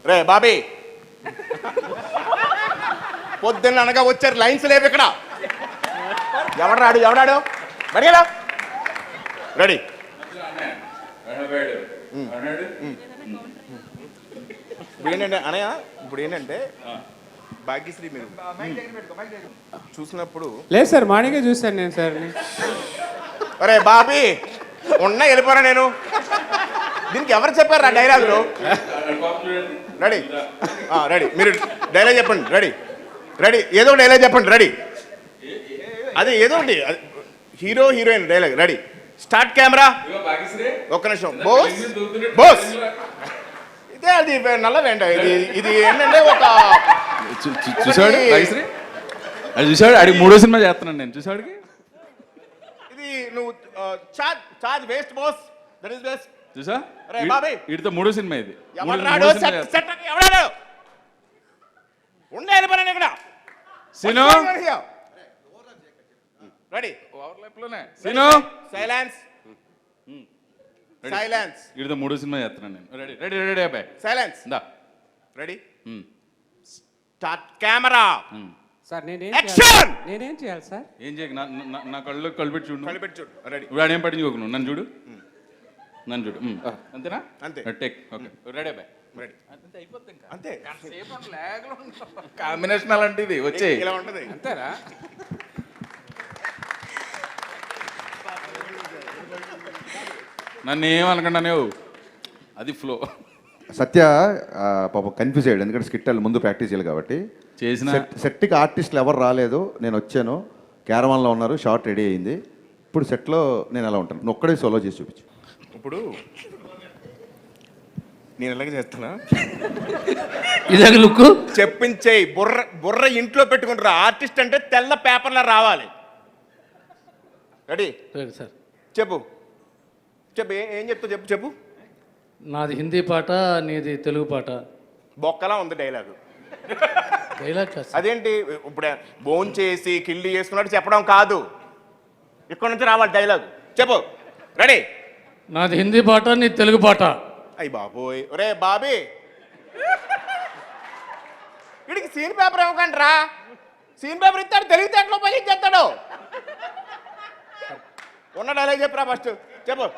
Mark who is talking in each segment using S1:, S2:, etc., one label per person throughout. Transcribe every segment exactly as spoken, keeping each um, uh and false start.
S1: రే బాబీ పొద్దున్న అనగా వచ్చారు లైన్స్ లేవు ఇక్కడ. ఎవడాడు ఎవడాడు బడిగడా రెడీ. ఇప్పుడు ఏంటంటే అనయ్య, ఇప్పుడు ఏంటంటే భాగ్యశ్రీ మీరు చూసినప్పుడు
S2: లేదు సార్, మార్నింగే చూశాను నేను సార్.
S1: అరే బాబీ ఉన్నా వెళ్ళిపోరా నేను. దీనికి ఎవరు చెప్పారు ఆ డైలాగులు? రెడీ రెడీ మీరు డైలాగ్ చెప్పండి. రెడీ రెడీ ఏదో డైలాగ్ చెప్పండి. రెడీ అదే ఏదో ఒకటి hero heroine dialogue. Ready start camera. ఒక్క నిమిషం. బోస్ బోస్ ఇదే అది నల్లదండి. ఇది ఇది ఏంటంటే ఒక
S3: చూసాడు భాగ్యశ్రీ, అది చూసాడు. అడిగి మూడో సినిమా చేస్తున్నాను నేను. చూసాడుకి
S1: ఇది నువ్వు charge charge waste boss. That is best.
S3: చూసా
S1: అరే బాబీ
S3: వీటితో మూడో సినిమా ఇది.
S1: ఎవడాడు సెట్ ఎవడాడు ఉండే వెళ్ళిపోయాను ఇక్కడ.
S3: Scene
S1: ready
S3: scene
S1: silence silence.
S3: వీటితో మూడో సినిమా చేస్తున్నాను నేను. రెడీ రెడీ రెడీ అబ్బాయి
S1: సైలెన్స్.
S3: దా
S1: రెడీ స్టార్ట్ కెమెరా.
S2: సార్ నేనేం
S1: యాక్షన్.
S2: చేయాలి? నేనేం చేయాలి సార్?
S3: ఏం చేయకు, నా నా- నా కళ్ళు కళ్ళు పెట్టి చూడు.
S1: కలిపెట్టి చూడు. రెడీ
S3: ఇప్పుడు ఆడేం పట్టించుకోకు నువ్వు. నన్ను చూడు, నన్ను చూడు. అంతేనా?
S1: అంతే.
S3: టేక్. ఓకే రెడీ అబ్బాయి.
S1: రెడీ
S3: అంతే అయిపోతుంది ఇంకా.
S1: అంతే.
S3: కాంబినేషన్ అలాంటిది వచ్చే
S1: ఇలా ఉంటది.
S2: అంతేరా?
S3: నన్ను ఏమనకుండా నువ్వు అది ఫ్లో
S4: సత్య పాపం కన్ఫ్యూజ్ అయ్యాడు, ఎందుకంటే స్కిట్ ముందు ప్రాక్టీస్ చేయాలి కాబట్టి.
S3: చేసిన
S4: సెట్కి ఆర్టిస్టులు ఎవరు రాలేదు, నేను వచ్చాను, క్యారవాన్లో ఉన్నారు, షార్ట్ రెడీ అయింది. ఇప్పుడు సెట్లో నేను ఎలా ఉంటాను, నువ్వు ఒక్కడే సోలో చేసి చూపించు.
S1: ఇప్పుడు నేను ఎలాగ చేస్తున్నా
S3: ఇదే లుక్
S1: చెప్పించేయి. బుర్ర బుర్ర ఇంట్లో పెట్టుకుంటారు. ఆర్టిస్ట్ అంటే తెల్ల పేపర్లో రావాలి. రెడీ
S5: సార్
S1: చెప్పు చెప్పు ఏ- ఏం చెప్తావు చెప్పు చెప్పు.
S5: నాది హిందీ పాట, నీది తెలుగు పాట.
S1: బొక్కలా ఉంది డైలాగు.
S5: డైలాగ్ కాదు సార్.
S1: అదేంటి ఇప్పుడు బోన్ చేసి కిల్లి చేసుకున్నట్టు చెప్పడం కాదు, ఇక్కడ నుంచి రావాలి డైలాగ్. చెప్పు. రెడీ
S5: నాది హిందీ పాట, నీది తెలుగు పాట.
S1: అయ్యి బాబోయ్. ఒరే బాబీ వీడికి సీన్ పేపర్ ఇవ్వకండి రా. సీన్ పేపర్ ఇస్తాడు, తెలివితేటలో ఉపయోగించేస్తాడు. ఉన్న డైలాగ్ చెప్పురా ఫస్ట్. చెప్పు.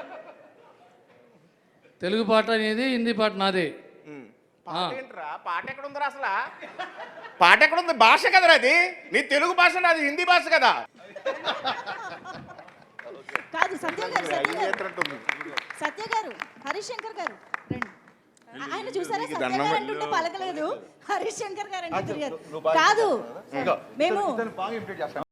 S5: తెలుగు పాట నీది, హిందీ పాట నాది.
S1: పాట ఏంట్రా? పాట ఎక్కడ ఉందిరా అసలు? పాట ఎక్కడ ఉంది? భాష కదరా అది. నీ తెలుగు భాష, అది హిందీ భాష కదా.
S6: కాదు సత్య గారు, సత్య
S1: ఏం
S6: గారు,
S1: చేస్తున్నట్టుంది?
S6: సత్య గారు, హరీష్ శంకర్ గారు రండి. ఆయన చూసారా
S1: నీకు
S6: సత్య
S1: దండం
S6: గారు
S1: పెట్టు.
S6: అంటుంటే పలకలేదు, హరీష్ శంకర్ గారు అంటే తిరిగారు. కాదు మేము